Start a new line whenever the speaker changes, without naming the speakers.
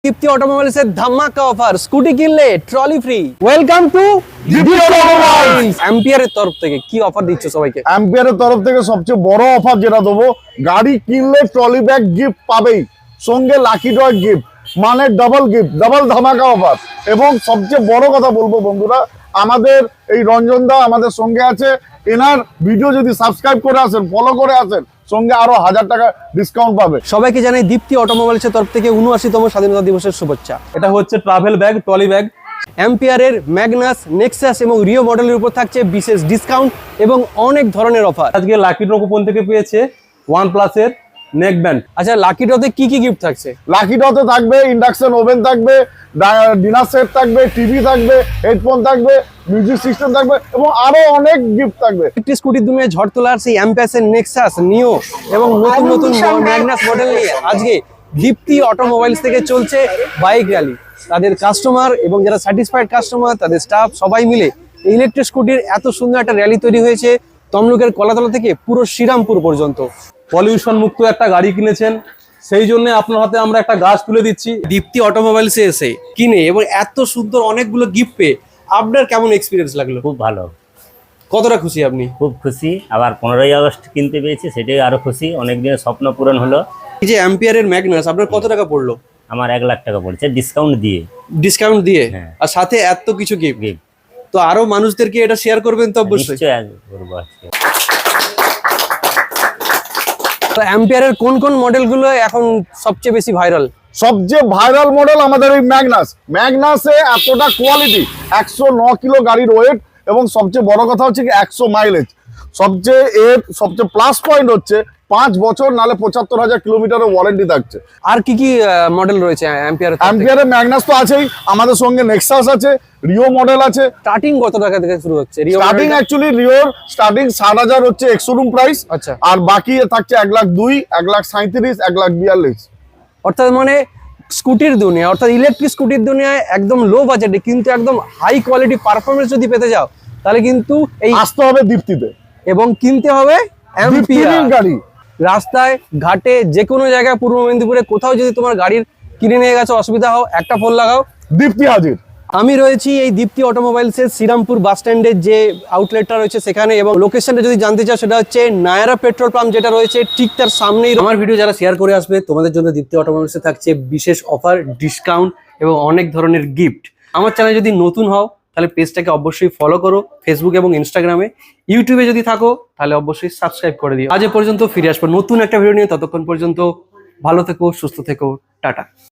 দীপ্তি automobiles এর ধামাকা offer, scooty কিনলে trolley free. Welcome to Dipti automobiles. অ্যাম্পিয়ারের তরফ থেকে কি অফার দিচ্ছ সবাইকে?
অ্যাম্পিয়ারের তরফ থেকে সবচেয়ে বড় অফার যেটা দেবো, গাড়ি কিনলে ট্রলি ব্যাগ গিফট পাবেই, সঙ্গে লাকি ড্র গিফট, মানে ডাবল গিফট, ডাবল ধামাকা অফার। এবং সবচেয়ে বড় কথা বলবো বন্ধুরা, আমাদের এই রঞ্জন দা আমাদের সঙ্গে আছে। এনার ভিডিও যদি সাবস্ক্রাইব করে আসেন, ফলো করে আসেন, সঙ্গে আরো 1000 টাকা ডিসকাউন্ট পাবে।
সবাইকে জানাই দীপ্তি অটোমোবাইলস এর তরফ থেকে 79তম স্বাধীনতা দিবসের শুভেচ্ছা।
এটা হচ্ছে ট্রাভেল ব্যাগ, ট্রলি ব্যাগ।
অ্যাম্পিয়ারের ম্যাগনাস, নেক্সাস এবং রিও মডেলের উপর থাকছে বিশেষ ডিসকাউন্ট এবং অনেক ধরনের অফার।
আজকে লাকি ড্র কুপন থেকে পেয়েছে OnePlus এর নেক ব্যান্ড।
আচ্ছা, লাকি ড্রতে কি কি গিফট থাকছে?
লাকি ড্রতে থাকবে ইন্ডাকশন ওভেন থাকবে, ডিনার সেট থাকবে, টিভি থাকবে, হেডফোন থাকবে, মিউজিক সিস্টেম থাকবে এবং আরো অনেক গিফট থাকবে।
একটি স্কুটির দুনিয়ায় ঝড় তোলার সেই অ্যাম্পিয়াসের নেক্সাস, নিও এবং নতুন নতুন ম্যাগনাস মডেল নিয়ে আজকে দীপ্তি অটোমোবাইলস থেকে চলছে বাইক র্যালি। তাদের কাস্টমার এবং যারা স্যাটিসফাইড কাস্টমার, তাদের স্টাফ সবাই মিলে ইলেকট্রিক স্কুটির এত সুন্দর একটা র্যালি তৈরি হয়েছে তমলুকের কলাতলা থেকে পুরো শ্রীরামপুর পর্যন্ত।
পলিউশন মুক্ত একটা গাড়ি কিনেছেন, সেই জন্য আপনার হাতে আমরা একটা গাছ তুলে দিচ্ছি।
দীপ্তি অটোমোবাইলসে এসে কিনে এবং এত সুন্দর অনেকগুলো গিফট পেয়ে আপনার কেমন এক্সপিরিয়েন্স লাগলো?
খুব ভালো,
কতটা খুশি আপনি?
খুব খুশি। আবার 15ই আগস্ট কিনতে পেরেছি, সেটাই আরো খুশি। অনেকদিনের স্বপ্ন পূরণ হলো।
এই যে অ্যাম্পিয়ারের ম্যাগনাস আপনার কত টাকা পড়লো?
আমার 1 লাখ টাকা পড়েছে ডিসকাউন্ট দিয়ে।
ডিসকাউন্ট দিয়ে?
হ্যাঁ।
আর সাথে এত কিছু গিফট।
Gift।
তো আরো মানুষদেরকে এটা শেয়ার করবেন তো অবশ্যই।
নিশ্চয়ই করবো আজকে।
তো অ্যাম্পিয়ারের কোন কোন মডেলগুলো এখন সবচেয়ে বেশি ভাইরাল?
সবচেয়ে ভাইরাল মডেল আমাদের এই ম্যাগনাস। ম্যাগনাসে এতটা কোয়ালিটি, 109 কিলো গাড়ির ওয়েট এবং সবচেয়ে বড় কথা হচ্ছে কি 100 মাইলেজ। সবচেয়ে প্লাস পয়েন্ট হচ্ছে 5 বছর নালে 75,000 কিলোমিটারের ওয়ারেন্টি থাকছে।
আর কি কি মডেল রয়েছে অ্যাম্পিয়ারের?
অ্যাম্পিয়ারের ম্যাগনাস তো আছেই, আমাদের সঙ্গে নেক্সাস আছে, রিও মডেল আছে।
স্টার্টিং কত টাকা থেকে শুরু হচ্ছে রিও
স্টার্টিং অ্যাকচুয়ালি রিওর স্টার্টিং 60,000 হচ্ছে এক্স-শোরুম প্রাইস।
আচ্ছা।
আর বাকি থাকছে 1,02,000, 1,37,000, 1,42,000।
অর্থাৎ মানে স্কুটির দুনিয়া, অর্থাৎ ইলেকট্রিক স্কুটির দুনিয়ায় একদম লো বাজেটে কিন্তু একদম হাই কোয়ালিটি পারফরমেন্স যদি পেতে যাও তাহলে কিন্তু এই
আসতে হবে দীপ্তিতে
এবং কিনতে হবে
দীপ্তির
অ্যাম্পিয়ার।
গাড়ি।
রাস্তায় ঘাটে যে কোনো জায়গায় পূর্ব মেদিনীপুরে কোথাও যদি তোমার গাড়ির কিনে নিয়ে গেছে অসুবিধা হয়, একটা ফোন লাগাও,
দীপ্তি হাজির।
আমি রয়েছি এই দীপ্তি অটোমোবাইলসের শ্রীরামপুর বাস স্ট্যান্ডের যে আউটলেটটা রয়েছে সেখানে, এবং লোকেশনটা যদি জানতে চাও সেটা হচ্ছে নায়ারা পেট্রোল পাম্প যেটা রয়েছে ঠিক তার সামনেই। আমার ভিডিও যারা শেয়ার করে আসবে তোমাদের জন্য দীপ্তি অটোমোবাইলসে থাকছে বিশেষ অফার, ডিসকাউন্ট এবং অনেক ধরনের গিফট। আমার চ্যানেল যদি নতুন হও তাহলে পেজটাকে অবশ্যই ফলো করো ফেসবুক এবং ইনস্টাগ্রামে। ইউটিউবে যদি থাকো তাহলে অবশ্যই সাবস্ক্রাইব করে দিও। আজ এ পর্যন্ত, ফিরে আসবো নতুন একটা ভিডিও নিয়ে। ততক্ষণ পর্যন্ত ভালো থেকো, সুস্থ থেকো, টাটা।